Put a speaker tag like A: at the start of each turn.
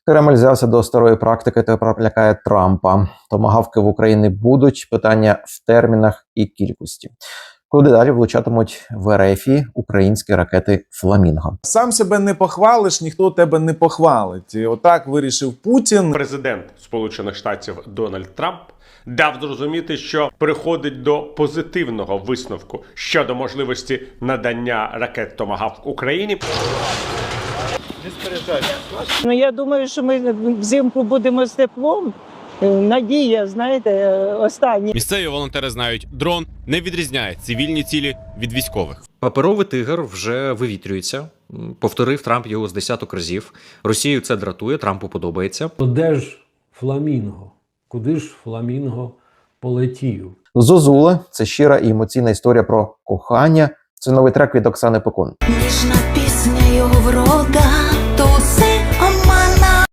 A: Кремль взявся до старої практики та лякає Трампа. Томагавки в Україні будуть, питання в термінах і кількості. Куди далі влучатимуть в РФі українські ракети «Фламінго».
B: Сам себе не похвалиш, ніхто тебе не похвалить. І отак вирішив Путін.
C: Президент Сполучених Штатів Дональд Трамп дав зрозуміти, що переходить до позитивного висновку щодо можливості надання ракет «Томагавк» Україні.
D: Ну, я думаю, що ми взимку будемо з теплом. Надія, знаєте, остання.
E: Місцеві волонтери знають, дрон не відрізняє цивільні цілі від військових.
F: Паперовий тигр вже вивітрюється. Повторив Трамп його з десяток разів. Росію це дратує, Трампу подобається.
G: Де ж Фламінго? Куди ж Фламінго полетів?
A: «Зозули» – це щира і емоційна історія про кохання. Це новий трек від Оксани Пекун.
H: Ніжна пісня його врода,